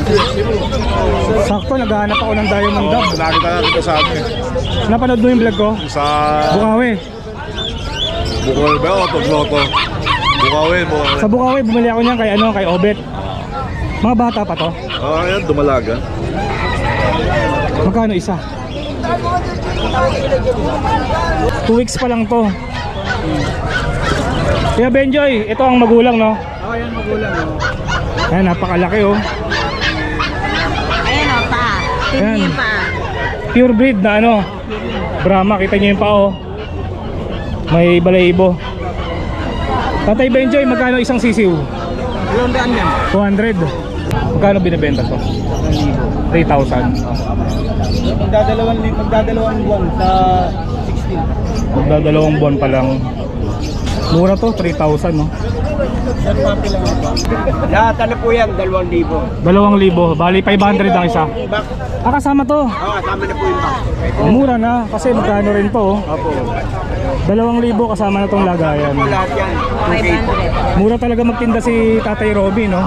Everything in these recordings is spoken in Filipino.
Sakto, naghahanap ako ng diamond dog. Nakita natin sa atin. Napanood mo yung vlog ko? Sa Bukawi. Bukawi ba o Tugloto? Bukawi. Sa Bukawi, bumili ako niyan kay Obet. Mga bata pa to. Ayan, dumalaga. Magkano isa? 2 weeks pa lang to. Kaya Benjoy, ito ang magulang, no? Oo, yan magulang. Ayan, napakalaki, oh. Ayan o pa. Ayan. Hindi pa. Pure breed na ano, Brahma, kita niyo yung pao. May balahibo. Tatay Benjoy, magkano isang sisiw? 200 yan. 200. Magkano binibenta to? 3,000. Magdadalawang buwan sa 16. Magdadalawang buwan pa lang. Mura to, 3,000, no? Lahat ano po yan, 2,000. 2,000, bali 500 ang isa. Ah, kasama to. Oo, kasama na po yung box. Mura na, kasi magkano rin to, oh. Opo. 2,000 kasama na tong lagayan. Po lahat yan. 500. Mura talaga magtinda si Tatay Robby, no?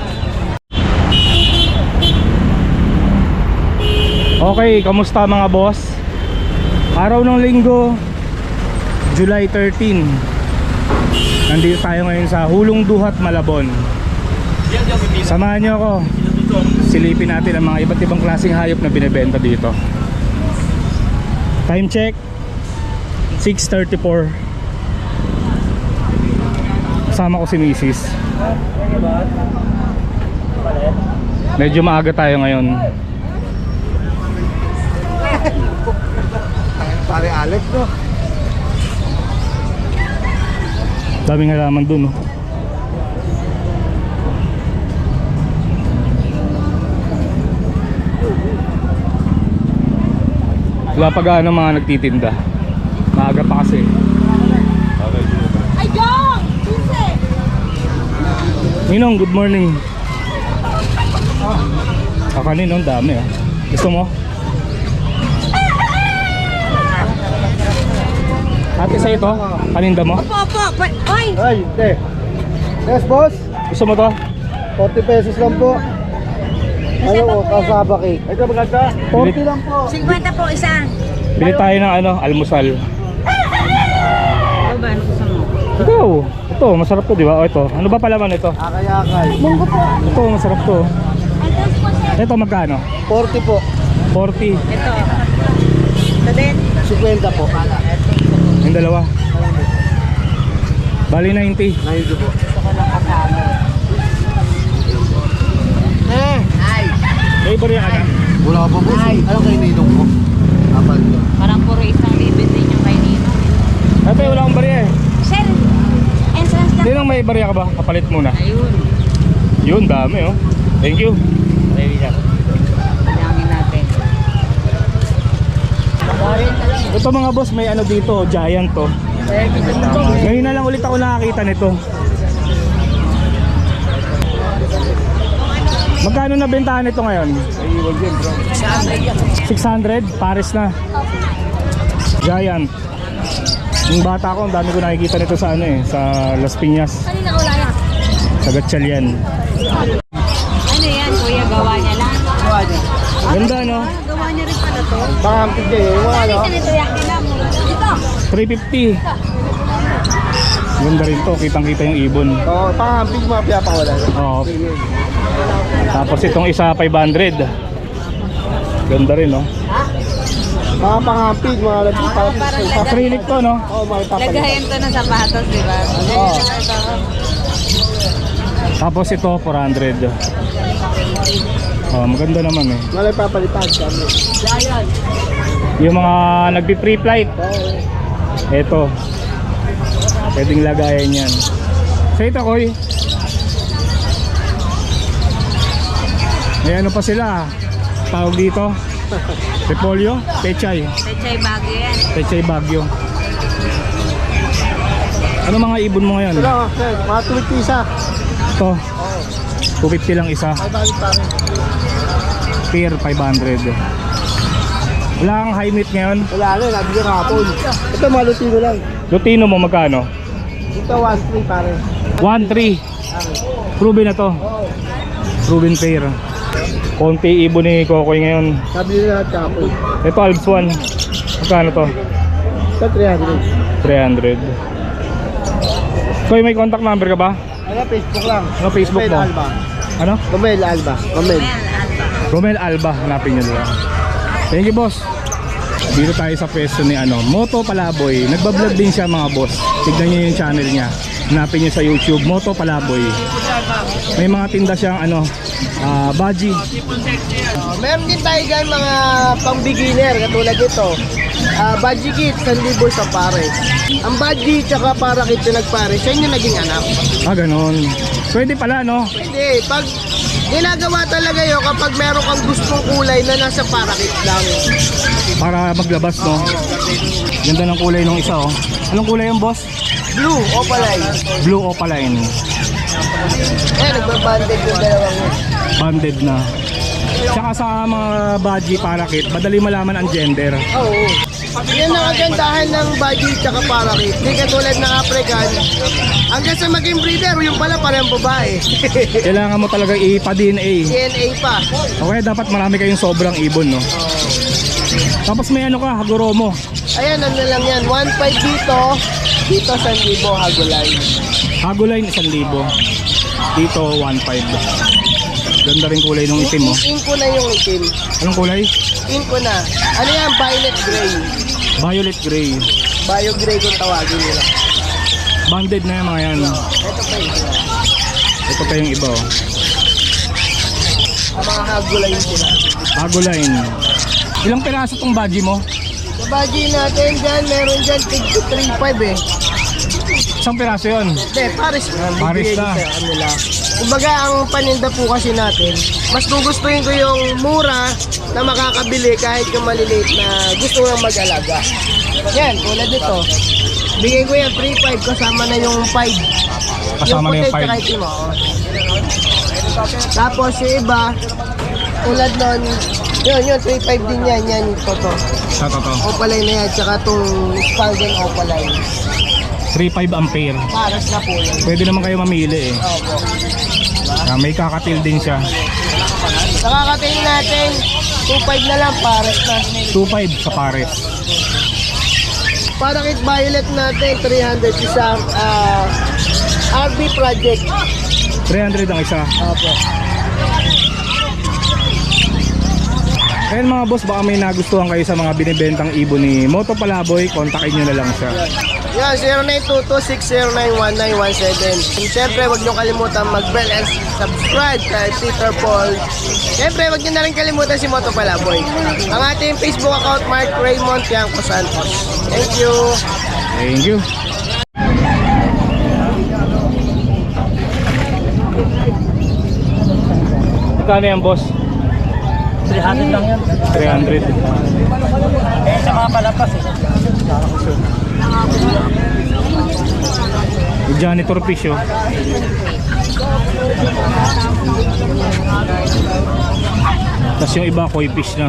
Okay, kamusta mga boss? Araw ng linggo, July 13. Nandito tayo ngayon sa Hulong Duhat, Malabon. Samahan nyo ako. Silipin natin ang mga iba't ibang klaseng hayop na binibenta dito. Time check 6:34. Kasama ko si Mrs. Medyo maaga tayo ngayon. Pare Alex, no? Daming halaman dun, oh. Wala pa gaano mga nagtitinda. Maaga pa kasi. Ay, Jong! Pinse! Ninong, good morning. Kakanin, no? Dami, ah. Gusto mo? Ate, sa ito? Kaninda mo? Opo. Oy! Ay, hindi. Yes, boss. Gusto mo to? 40 pesos lang po. Ano po, kasaba cake. Ito maganda. 40 lang po. 50 po isa. Bili tayo ng ano, almusal. Ano ba? Ano gusto mo? Ito, masarap to, di ba? O ito, ano ba palaman ito? Akay-akay. Munggo po. Ito, masarap to. Ito, magkano? 40 po. 40. Ito. Ito din. 50 po. Yung dalawa. Bali 90. 90 po. May bariya ka na? Wala pa po. Anong kayo ninong ko? Apat ko. Parang puro isang libid din yung kay Nino. Ate, wala akong bariya eh. Sir, entrance lang. Tinong may bariya ka ba? Kapalit muna. Ayun. Yun, dami oh. Thank you. Dami natin. Ito mga boss, may ano dito, giant to. Ngayon na lang ulit ako nakakita nito. Magkano na bentahan nito ngayon? 600, pares na. Giant. Yung bata ko, ang dami ko nakikita nito sa ano eh, sa Las Piñas. Kanina ko laya. Sa Gatchalian. Ano yan, kuya? Gawa niya lang? Gawa niya. Ganda no? Gawa niya rin pala to. Pakampit kayo. Wala. Ano ito? Yaki lang. Dito. 350. Ganda rin to, kitang-kita yung ibon. Oo, pakampit mga piyapakawala. Oo. Tapos itong isa 500. Ganda rin no? Mga pangampit, mga Parang Acrylic to no? Oo, mga ipapalit. lagayan to ng sapatos, di ba? Oo. Tapos ito 400. Oh, maganda naman eh. Mga ipapalitan kami. Yung mga nagpi-free flight. Ito. Pwedeng lagayan yan. So ito koy. May ano pa sila. Tawag dito. Repolyo, pechay. Pechay bagyo yan. Pechay bagyo. Ano mga ibon mo ngayon? Ito lang, sir. Mga tuwid isa. Ito. 250 lang isa. Ay, bakit pare? Pair 500. Wala kang high meat ngayon? Wala na, nabigyan hapon. Ito, mga lutino lang. Lutino mo magkano? Ito, 1-3 pare. 1.3. Proven na to. Oo. Proven pair. Konti ibon ni Kokoy ngayon. Sabi nila kapoy. Ito Alps 1. Magkano to? Sa 300. 300. Koy, may contact number ka ba? Ano, Facebook lang. Ano Facebook Romel mo? Alba. Ano? Romel Alba. Romel. Romel Alba, hanapin nyo lang. Thank you, boss. Dito tayo sa pwesto ni Moto Palaboy. Nagbablog din siya, mga boss. Tignan nyo yung channel niya. Hanapin nyo sa YouTube, Moto Palaboy. May mga tinda siyang baji. Meron din tayo dyan mga pang beginner katulad ito. Budgie kit, 1,000 sa pares. Ang budgie tsaka para kit na nagpares, yan yung naging anak. Ganon. Pwede pala, no? Hindi, pag ginagawa talaga yun kapag meron kang gustong kulay na nasa para kit lang. Para maglabas, no? Ganda ng kulay nung isa, oh. Anong kulay yung boss? Blue, opaline. Blue opaline. Nagbabanded yung dalawang yun. Banded na. Tsaka sa mga baji parakit, madali malaman ang gender. Oo. Yan ang kagandahan ng budgie tsaka para kit. Hindi katulad ng African. Hanggang sa maging breeder, yung pala parang babae. Kailangan mo talaga ipa-DNA. DNA pa. Okay, dapat marami kayong sobrang ibon, no? Tapos may Hagoromo. Ayan, ano lang yan. 1.5 dito. Dito 1,000 hagulay. Hagoline 1,000. Dito 1,500. Ganda rin kulay ng itim, oh. In ko na yung itim. Anong kulay? In ko na. Ano yan? Violet gray. Violet gray. Bio gray kung tawagin nila. Banded na yung mga yan. Ito pa yun. Ito pa yung iba, oh. Ang mga hagulay sila. Hagoline. Ilang piraso tong baji mo? Sa budgie natin dyan, meron dyan tig 3.5 eh. Isang piraso yun. Hindi, Paris na. Paris Bibigay na. ko sa kanila. Kumbaga, ang paninda po kasi natin, mas gugustuhin ko yung mura na makakabili kahit yung maliliit na gusto nang mag-alaga. Yan, tulad dito. Bigay ko yan 3.5 kasama na yung 5. Kasama na yung puti 5. tsaka itim, oh. Tapos yung iba, tulad nun, yun, 3.5 din yan, yan, ito. Sa to. Opaline na yan, tsaka itong Spalden Opaline. 3.5 ampere. Paras na po yan. Pwede naman kayo mamili, eh. Opo. May kakatil din siya. Sa kakatain natin, 2.5 na lang, pares na. 2.5 sa pares. Para kit violet natin, 300 isang RB project. 300 ang isa. Opo. Ayan mga boss, baka may nagustuhan kayo sa mga binibentang ibon ni Moto Palaboy, kontakin nyo na lang siya. Yan, 0922-609-1917. Siyempre, huwag nyo kalimutan mag-bell and subscribe kay Peter Paul. Siyempre, huwag nyo na rin kalimutan si Moto Palaboy. Ang ating Facebook account, Mark Raymond Tiangco Santos. Thank you. Thank you. Magkano yan, boss? 300 lang yan. 300. Eh, sa mga palapas eh. Yung janitor fish, oh. Tapos yung iba, koi fish na.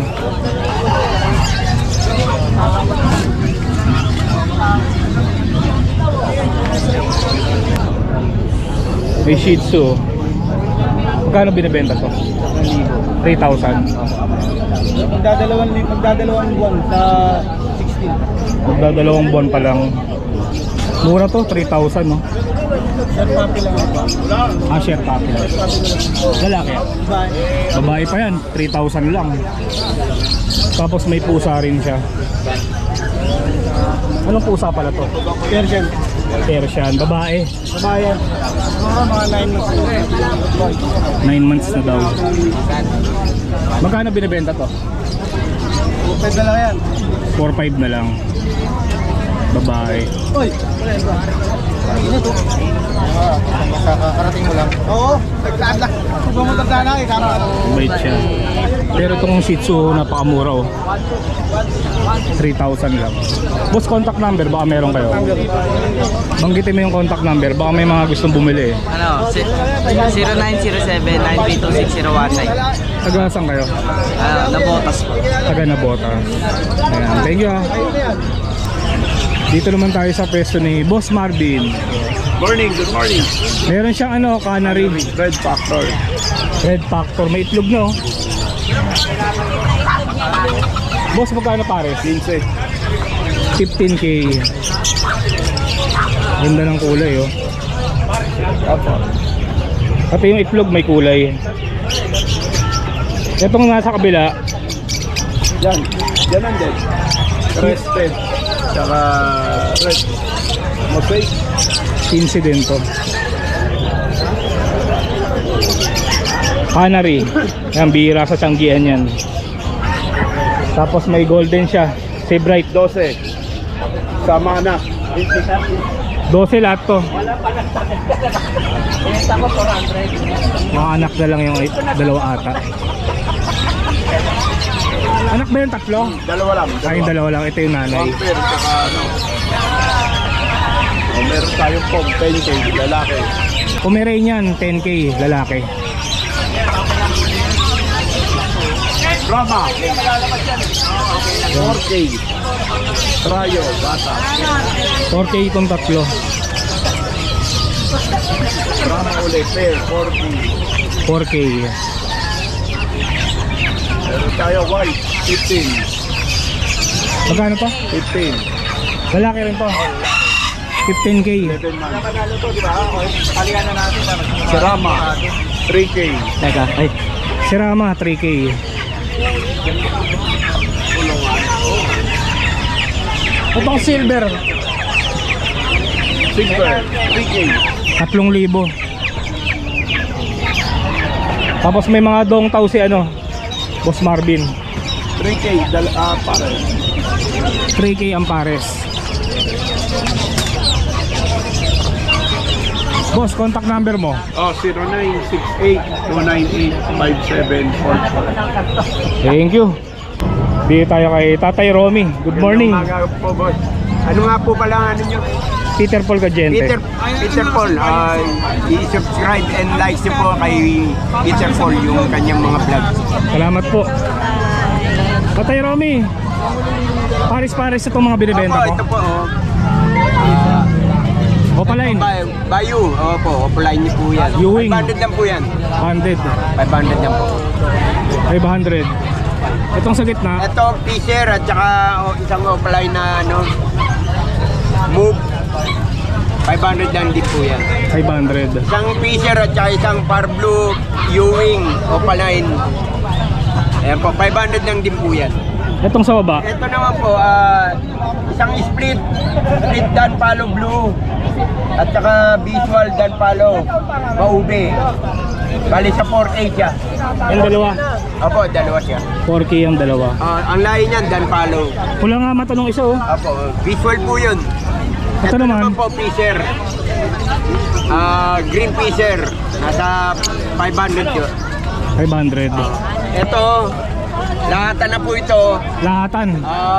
May Shih Tzu, oh. Magkano binibenta to? 3,000. Magdadalawang buwan sa 16. Magdadalawang buwan pa lang. Mura to, 3,000, no? Sir, papi lang ito. Share puppy. Lalaki. Bye. Babae pa yan, 3,000 lang. Tapos may pusa rin siya. Anong pusa pala to? Persian. Persian, babae. Babayan. Mga 9 months. 9 months na daw. Magkano binibenta to? Pwede lang yan. 4,500 na lang. Babae. Uy! Ano to? Kakarating mo lang? Oo. Nagdaan lang. Kung pumunta na, ikama. Bait siya. Pero itong Shih Tzu, napakamura, oh. 3,000 lang. Boss, contact number, baka meron kayo. Banggitin mo yung contact number, baka may mga gustong bumili, eh. Ano, 0907-932-6019. Taga-saan kayo? Nabotas po. Taga Nabotas. Ayan, thank you, ah. Dito naman tayo sa pwesto ni Boss Marvin. Morning, good morning. Meron siyang canary. Red Factor. Red Factor, may itlog na oh. Boss, magkano pares? 15. 15k. Ganda ng kulay oh. Pati yung itlog may kulay. Itong nasa kabila, Yan. Yan ang din. Crested. Tsaka red. Mosaic. 15 din to. Canary. Yan, bihira sa tiyanggian yan. Tapos may golden siya. Si Bright. 12. Sama na. 12 lahat to. Mga anak na lang yung dalawa ata. Anak ba yung tatlo? Dalawa lang. Ay, yung dalawa lang. Ito yung nanay. One pair. Tsaka ano. O, meron tayong pom. 10K. Lalaki. Pomeranian, 10k, lalaki. Brahma. 4K. Trayo. Bata. 4k itong tatlo. Brahma ulit. Pair. 4K. 4k. Meron tayo white. 15. Magkano to? 15. Lalaki rin to. 15k. 7 months. Serama. 3K. Teka, ay. Serama, 3k. Itong silver, Silver. 3K. 3,000. Tapos may mga dong tao si ano, Boss Marvin. 3K. Pare. 3k ang pares. Boss, contact number mo. Oh, 0968-298-5744. Thank you. Dito tayo kay Tatay Romy. Good morning. Umaga po, boss. Ano nga po pala ano nyo? Peter Paul Gadiente. Peter Paul, i-subscribe and like nyo po kay Peter Paul yung kanyang mga vlog. Salamat po. Tatay Romy, pares-pares itong mga binibenta Opo, ko. ito po, Opaline, Bayu, opo, offline niyo po yan. Ewing. 500 lang po yan. 100. 500 lang po. 500. Itong sa gitna, Ito, Fisher at saka isang offline na ano, Move. 500 lang din po yan. 500. Isang Fisher at saka isang Par Blue Ewing offline. Ayan po, 500 lang din po yan. Itong sa baba, Ito naman po, isang split Dan Palo Blue at saka visual Dan Palo Maube. Bali sa 4A siya. yung dalawa. Opo, dalawa siya. 4k ang dalawa. Ang lahi niyan, Dan Palo. Pula nga mata nung isa oh. Opo, visual po yun. Ito naman, po, Fisher. Green Fisher. Nasa 500 yun. 500. Ito, lahatan na po ito. Lahatan.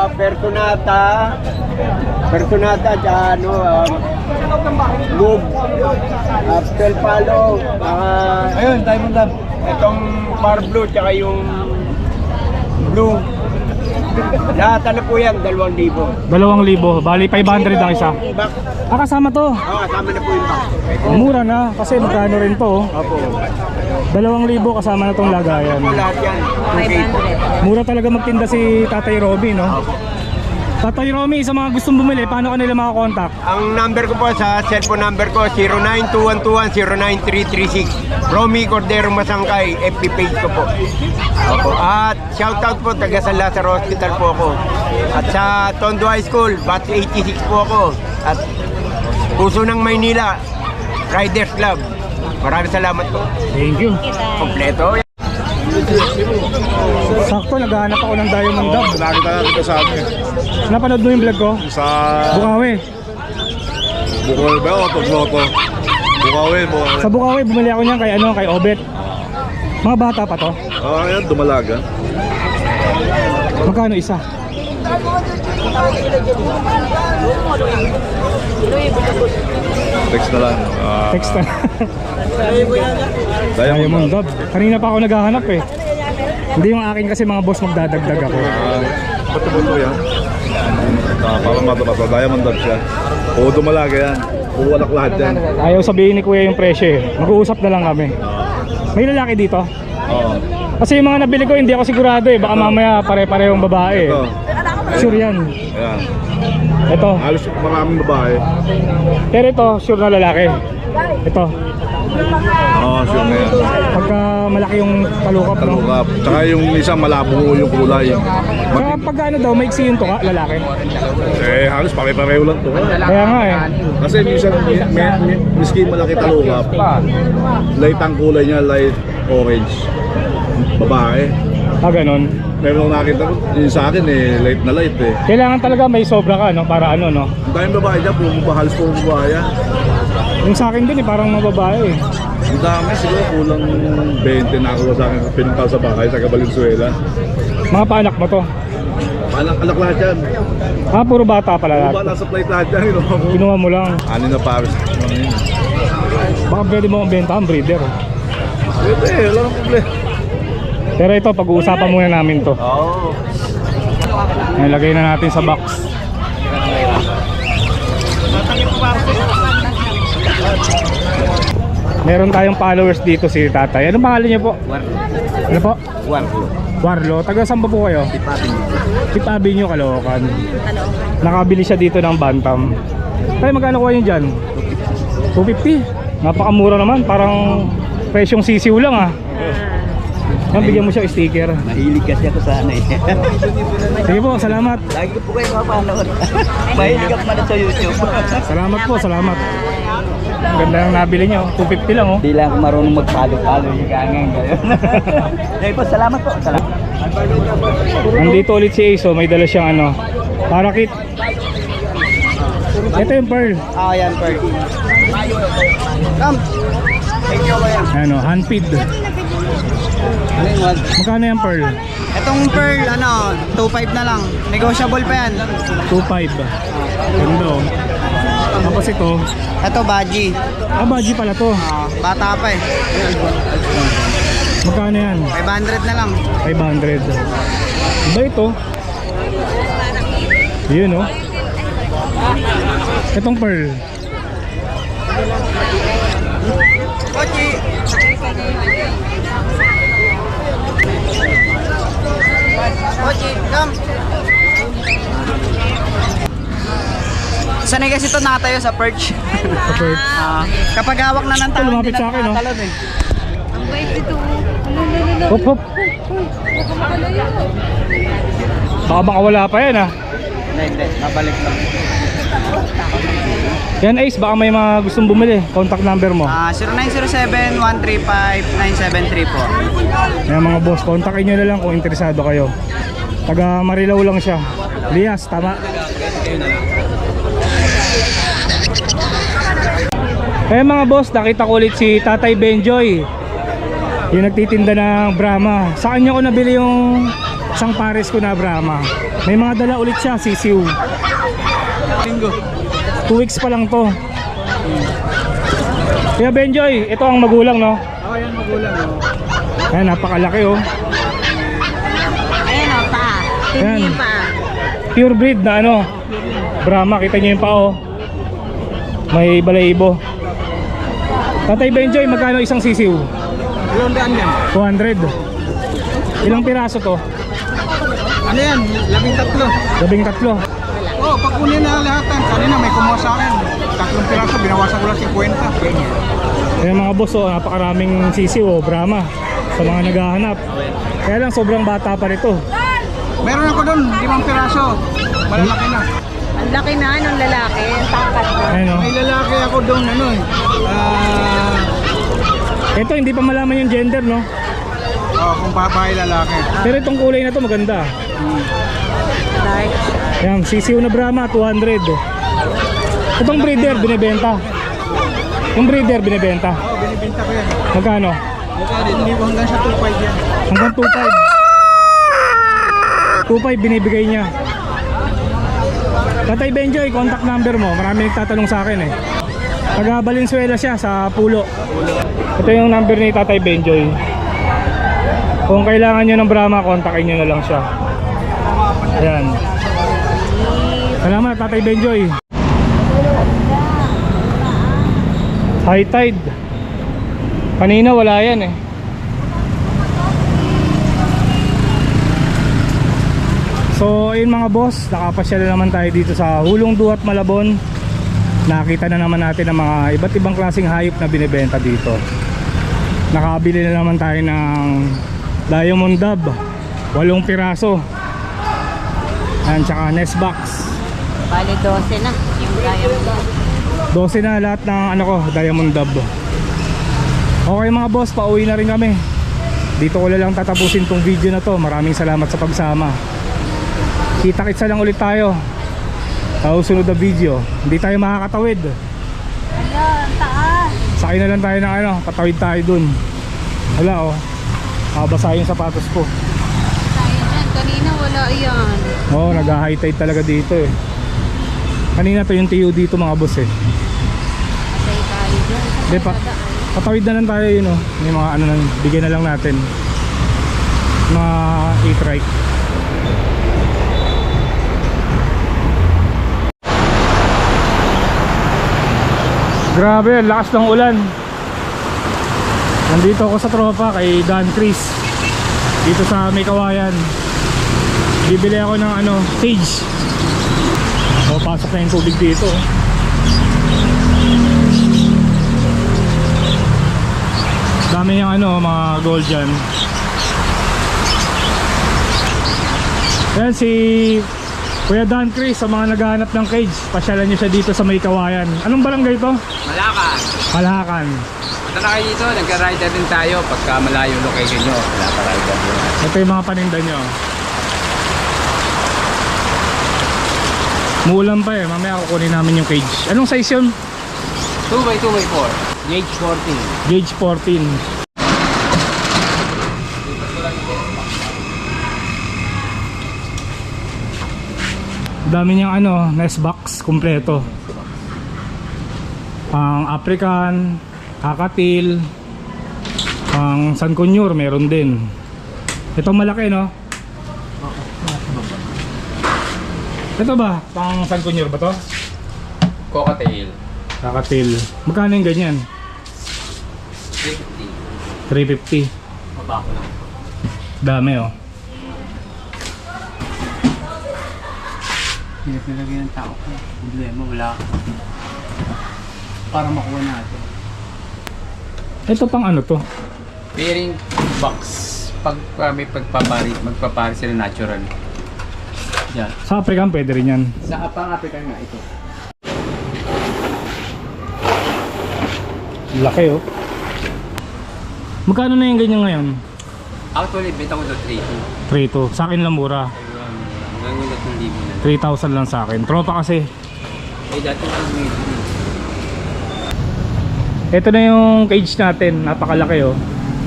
Personata, tsaka ano, Move, Pel Palo, ayun, Diamond Lab. Itong Par Blue, tsaka yung Blue. Lahatan na po yan, 2,000. 2,000. Bali 500 ang isa. Back, Kasama to. kasama na po yung back. Mura na kasi magkano rin to oh. Opo. 2,000 kasama na tong lagayan. Po lahat yan. 500. Mura talaga magtinda si Tatay Romy, no? Tatay Romy, sa mga gustong bumili, paano ka nila makakontakt? Ang number ko po sa cellphone number ko 092121093336. Romy Cordero Masangkay, FB page ko po. Opo. At shoutout po taga San Lazaro Hospital po ako. At sa Tondo High School, batch 86 po ako. At Puso ng Maynila, Riders Club. Maraming salamat po. Thank you. Kompleto. Sakto, naghahanap ako ng Diamond Dog. Nakita kita sa amin. Napanood mo yung vlog ko? Sa Bukawi. Bukol ba o Tugloto? Bukawi. Sa Bukawi, bumili ako niyan kay Obet. Mga bata pa to. Ayan, dumalaga. Magkano isa? Text na lang. Text na. Diamond. Diamond Dog. Kanina pa ako naghahanap eh. Hindi yung akin kasi mga boss magdadagdag ako. Bato-bato yan. Parang matabato. Diamond Dog siya. Oo, dumalaga yan. Uwalak lahat yan. Ayaw sabihin ni Kuya yung presyo eh. Mag-uusap na lang kami. May lalaki dito? Oo. Kasi yung mga nabili ko hindi ako sigurado eh. Baka mamaya pare-parehong babae. Ito. Sure yan. Ayan. Ito. Halos maraming babae. Pero ito, sure na lalaki. Ito. Oo, sure na yan. Pagka malaki yung talukap, no? Talukap. Tsaka yung isa malabo yung kulay. Saka pagka ano daw, maiksi yung tuka, lalaki. Halos pare-pareho lang to. Kaya nga eh. Kasi minsan, miski malaki talukap. Light ang kulay niya, light orange. Babae. Ah, ganun. Meron nakita ko, yung sa akin light na light eh. Kailangan talaga may sobra ka, no? Para ano, no? Ang daming babae dyan, halos puro babae yan. Yung sa akin din eh, parang mga babae eh. Ang dami, siguro kulang 20 na ako sa akin pinunta sa bahay sa Valenzuela. Mga paanak mo to. Anak lahat yan. Ah, puro bata pala Ba, lahat. nasa plate lahat yan, Kinuha mo lang. Anin na pares. Baka pwede mo ang benta ang breeder. Pwede, wala nang problema. Pero ito, pag-uusapan muna namin to. Oo. Nilagay na natin sa box. Meron tayong followers dito si Tatay. Anong pangalan niyo po? Ano po? Warlo. Taga saan ba po kayo? Tip Avenue, Caloocan. Nakabili siya dito ng bantam. Tay, magkano kuha niyo dyan? 250? Napakamura naman. Parang presyong sisiw lang ah. Yan, bigyan mo siya sticker. Mahilig kasi ako sa ano eh. Sige po, salamat. Lagi ko po kayo mapanood. Mahilig ako man sa YouTube. Salamat po, salamat. Ganda ng nabili niyo. 250 lang oh. Di lang ako marunong magpalo-palo yung gangang gano'n. Dahil po, salamat po. Salamat. Nandito ulit si Ace, oh. May dala siyang ano, parakit. Ito yung pearl. Ah, yan, Perk. Come. Thank you, kuya. Ano, handfeed. Ano yung one? Magkano yung pearl? Itong pearl, 2.5 na lang. Negotiable pa yan. 2.5. Ganda oh. Tapos ito, Ito, Baji. baji pala to. Bata pa eh. Magkano yan? 500 na lang. 500. Iba ito. Yun oh. Itong pearl. Kochi. Kochi, come. Sanay kasi ito nakatayo sa perch. Sa pearl. Kapag hawak na ng Ito, talon, lumapit hindi sa akin, no? nakatalon eh. Ang bait dito. Hop hop. Baka makawala pa yan ah. Hindi, nabalik lang. Yan Ace, baka may mga gustong bumili. Contact number mo. 0907-135-973 po. Yan mga boss, kontakin nyo na lang kung interesado kayo. Taga Marilao lang siya. Lias, tama? Eh mga boss, nakita ko ulit si Tatay Benjoy. Yung nagtitinda ng Brahma. Sa kanya ko nabili yung isang pares ko na Brahma. May mga dala ulit siya, sisiw. 2 weeks pa lang to. Kaya Benjoy, ito ang magulang no? Oo, yan magulang. Ayan, napakalaki oh. Ayan o, pa. Yan. Hindi pa. Pure breed na ano, Brahma, kita nyo yung pao. May balahibo. Tatay Benjoy, magkano isang sisiw? Ilang daan yan? 200. Ilang piraso to? Ano yan? 13. 13. Oo, pag kunin na lahat yan. Kanina may kumuha sa akin. 3 piraso, binawasan ko lang 50. Kaya mga boss, oh, napakaraming sisiw oh, Brahma sa mga naghahanap. Kaya lang sobrang bata pa rito. Meron ako doon, 5 piraso. Malalaki na. Ang laki na nung lalaki. Ang tangkat na. Ayun oh. May lalaki ako doon, Ito hindi pa malaman yung gender no. kung babae lalaki. Pero itong kulay na to maganda. Dark. Yan, sisiw na Brahma 200. Itong breeder binebenta. Yung breeder binebenta. Oo, binibenta ko yan. Magkano? Hindi ko hanggang sa 2.5 yan. Hanggang 2.5. 2.5 binibigay niya. Tatay Benjoy, contact number mo. Marami nagtatanong sa akin eh. Taga Valenzuela siya sa Pulo. Ito yung number ni Tatay Benjoy. Kung kailangan nyo ng Brahma, kontakin nyo na lang siya. Ayan. Salamat Tatay Benjoy. High tide. Kanina wala yan eh. So ayun mga boss, nakapasyal na naman tayo dito sa Hulong Duhat, Malabon. Nakita na naman natin ang mga iba't ibang klaseng hayop na binibenta dito. Nakabili na naman tayo ng Diamond Dove, 8 piraso. Ayan, tsaka nest box. Bali 12 na yung Diamond Dove. 12 na lahat ng ano ko, Diamond Dove. Okay mga boss, pauwi na rin kami. Dito ko lang tatapusin tong video na to. Maraming salamat sa pagsama. Kita-kitsa lang ulit tayo sa susunod na video. Hindi tayo makakatawid. Ayan, taas. Sakay na lang tayo ng ano, patawid tayo dun. Wala oh, kabasa yung sapatos ko. Tayo dyan. Kanina wala yan. Oo, nag-high tide talaga dito eh. Kanina to yung tiyo dito mga boss eh. Patay tayo dyan. Hindi pa, patawid na lang tayo yun oh. May mga ano lang, bigyan na lang natin mga e-trike. Grabe, lakas ng ulan. Nandito ako sa tropa kay Dan Chris dito sa May Kawayan. Bibili ako ng ano, cage. O, pasok na yung tubig dito. Dami yung ano, mga gold dyan. Yan si Kuya Dan Chris sa mga naghahanap ng cage. Pasyalan nyo siya dito sa May Kawayan. Anong barangay ito? Malakan. Malakan. Punta na kayo dito, nagka-rider din tayo pagka malayo location nyo. Wala pa rider din. Ito yung mga paninda nyo. Muulan pa eh, mamaya kukunin namin yung cage. Anong size yun? 2x2x4. Gauge 14. Gauge 14. Dami niyang ano, nest box kompleto. Pang African, kakatil, pang sankunyur meron din. Ito malaki no? Ito ba? Pang sankunyur ba to? Cocktail. Kakatil. Magkano yung ganyan? 50. 350. Mabako lang. Dami oh. Pinapilagay ng tao ko. Problema, wala ka. Para makuha natin. Ito pang ano to? Pairing box. Pag may magpapari sila natural. Yan. Sa African pwede rin yan. Sa pang African nga ito. Laki oh. Magkano na yung ganyan ngayon? Actually, benta ko doon 3.2. 3.2. Sa akin lang mura. Hanggang wala itong libo na. 3,000 lang sa akin. Tropa kasi. Eh, dati ko may Ito na yung cage natin. Napakalaki oh.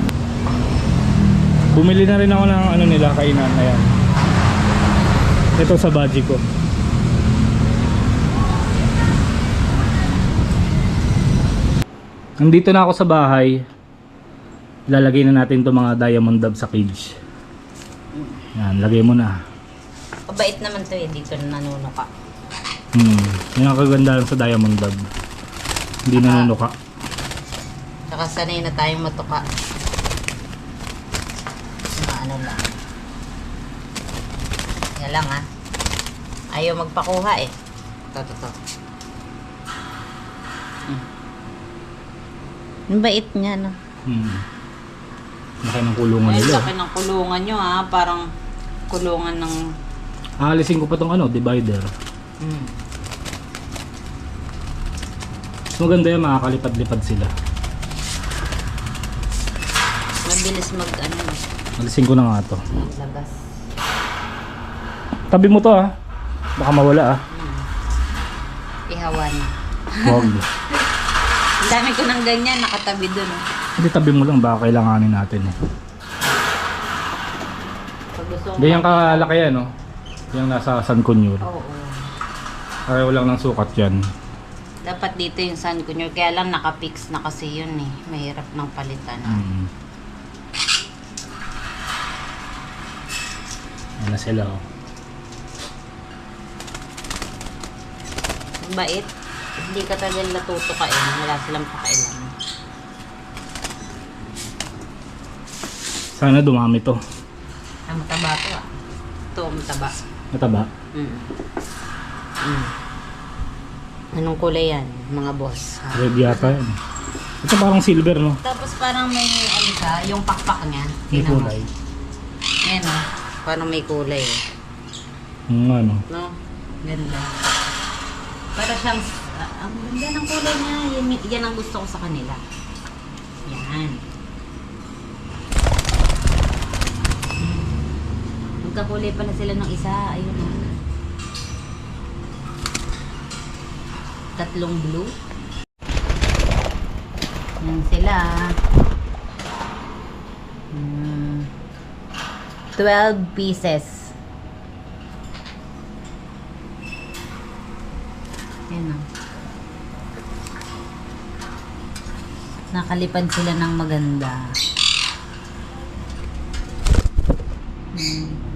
Bumili na rin ako ng ano nila, kainan. Ayan. Ito sa budget ko. Nandito na ako sa bahay. Ilalagay na natin itong mga Diamond Dove sa cage. Yan, lagay mo na. Mabait naman to eh. Dito nanunuka. Yan ang kagandahan sa Diamond Dove. Hindi nanunuka. Saka sanay na tayong matuka. Mga ano lang. Yan lang ha. Ayaw magpakuha eh. Ito. Ang bait niya no. Laki ng kulungan Ay, nila. laki ng kulungan nyo ha. Parang kulungan ng... Aalisin ko pa tong ano, divider. Mas maganda yan, makakalipad-lipad sila. Mabilis mag ano. Alisin ko na nga to. Maglabas. Tabi mo to ah. Baka mawala ah. Ihawan. Wag. Ang dami ko ng ganyan. Nakatabi dun. Hindi, tabi mo lang, baka kailanganin natin eh. Pag gusto mo. Ganyan kalaki yan no. Yung nasa San Cunyur. Oo. Pareho lang ng sukat yan. Dapat dito yung sun kunyo. Kaya lang nakapix na kasi yun eh. Mahirap ng palitan. Yan na sila oh. Bait. Hindi ka talaga natutukain. Wala silang pakailan. Sana dumami to. Ang mataba to ah. Ito, mataba. Mataba. Anong kulay yan, mga boss? Ha? Red yata yun. Ito parang silver, no? Tapos parang may ano siya, yung pakpak niya. May Tingnan mo. kulay. Ayan o, parang may kulay. Ano. No? Ganda. Para siyang, ang ganda ng kulay niya. Yan ang gusto ko sa kanila. Yan. Magkakulay pala sila ng isa. Ayun o. Tatlong blue. Yan sila. 12 pieces. Yan o. Nakalipad sila ng maganda.